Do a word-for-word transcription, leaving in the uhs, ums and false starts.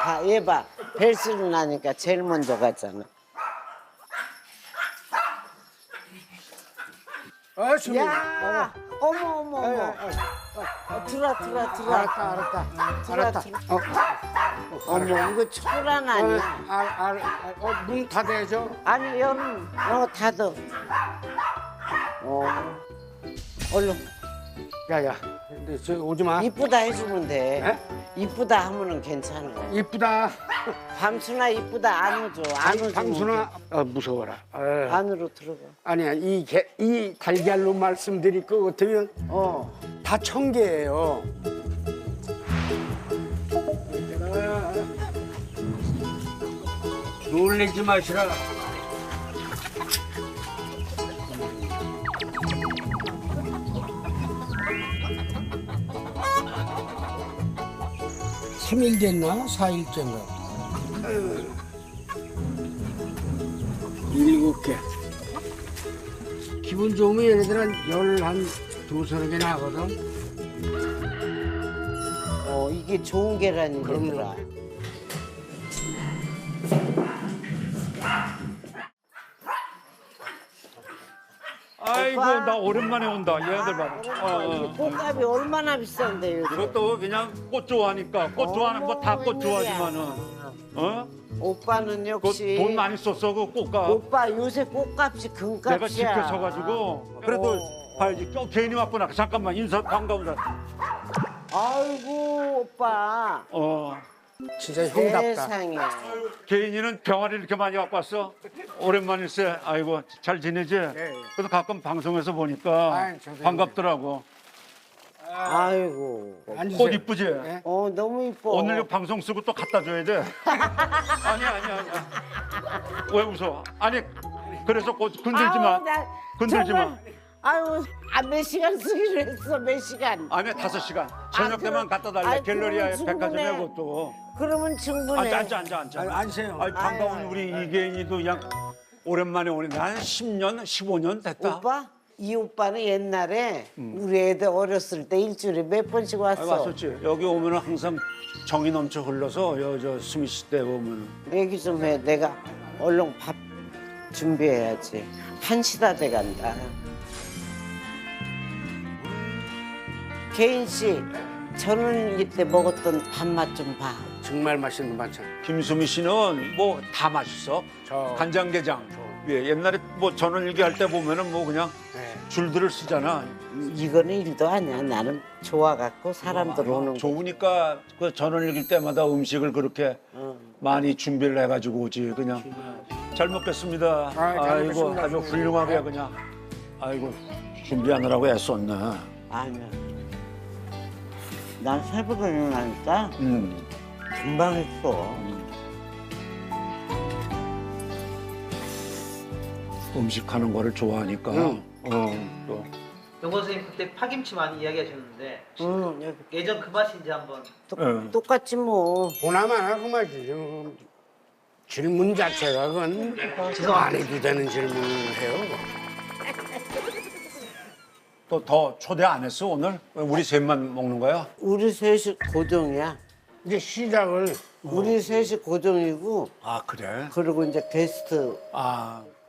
가, 얘 봐. 벨소리 나니까 제일 먼저 가잖아. 아, 수미. 야, 어머, 어머, 어머. 어, 어, 들어, 들어, 들어. 알았다, 알았다. 들어, 알았다. 들어. 어, 어머, 이거 초란 어, 아니야? 알, 알, 알, 어, 문 닫아야죠. 아니, 여름, 어, 닫어. 어, 얼른. 야, 야, 근데 저 오지 마. 이쁘다 해주면 돼. 에? 이쁘다 하면은 괜찮아. 이쁘다. 밤순아 이쁘다 안 오죠. 안 오죠. 방순아, 어, 무서워라. 어. 안으로 들어가. 아니야, 이, 개, 이 달걀로 말씀드릴 것 같으면 어. 다 청개예요. 놀래지 마시라. 삼 일 됐나? 사 일째인가? 일곱 개. 기분 좋으면 얘네들은 열 한 두서너 개 나거든. 어 이게 좋은 계란이더라. 아이고 오빠. 나 오랜만에 온다 얘들 봐라. 어, 이게 어. 꽃값이 얼마나 비싼데 이거. 그것도 그냥 꽃 좋아하니까 꽃 좋아하는 거 다 꽃 좋아하지만은 어? 오빠는 그 역시 돈 많이 썼어 그 꽃값. 오빠 요새 꽃값이 금값이야. 내가 지켜서가지고 그래도 어. 봐야지. 어, 괜히 왔구나. 잠깐만 인사 반가운다. 아이고 오빠. 어. 진짜 형답다. 세상에. 개인이는 병아리 이렇게 많이 갖고 왔어. 오랜만일세. 아이고 잘 지내지? 예. 그래도 가끔 방송에서 보니까 아이, 선생님. 반갑더라고. 아이고. 앉으세요. 꽃 이쁘지? 예? 어 너무 이뻐. 오늘 이 방송 쓰고 또 갖다 줘야 돼. 아니 아니 아니. 왜 웃어? 아니 그래서 꽃 건들지 마. 아우, 나 건들지 정말, 마. 아유, 아, 몇 시간 쓰기로 했어, 몇 시간. 아니 다섯 시간. 저녁 되면 그럼- 갖다 달래. 아이, 갤러리아에 그러면 백화점에 충분해. 그것도. 그러면 충분해. 앉아 앉아 앉아 앉아. 아유, 앉으세요. 아이, 반가운 아유, 우리 이계인이도 그냥 오랜만에 오는데 한 십 년, 십오 년 됐다. 오빠? 이 오빠는 옛날에 우리 애들 어렸을 때 일주일에 몇 번씩 아, 왔어. 왔었지. 여기 오면은 항상 정이 넘쳐 흘러서 여저 수미 씨 때 보면은. 얘기 좀 해. 내가 얼른 밥 준비해야지. 한 시 다 돼간다. 개인 씨, 전원일기 때 먹었던 밥맛 좀 봐. 정말 맛있는 반찬. 김수미 씨는 뭐 다 맛있어. 저. 간장게장. 예, 옛날에 뭐 전원일기 할 때 보면은 뭐 그냥 네. 줄들을 쓰잖아. 이거는 일도 아니야. 나는 좋아갖고 사람들 오는 거. 좋으니까 그 전원일기 때마다 음식을 그렇게 어. 많이 준비를 해가지고 오지 그냥. 잘 먹겠습니다. 잘 아이고 먹겠습니다. 아주 훌륭하게 그냥. 아이고 준비하느라고 애썼네. 아니야. 난 새벽에 일어나니까 음. 금방 했어. 음식하는 거를 좋아하니까. 응. 어, 또. 영건 선생님 그때 파김치 많이 이야기하셨는데 응, 여기 예전 그 맛인지 한번 똑, 응. 똑같지 뭐. 보나마나 그 말이지. 음, 질문 자체가 그건 안 해도 되는 질문을 해요. 또 더 초대 안 했어 오늘? 왜 우리 셋만 먹는 거야? 우리 셋이 고정이야. 이제 시작을 우리 셋이 고정이고 아 그래? 그리고 이제 게스트 아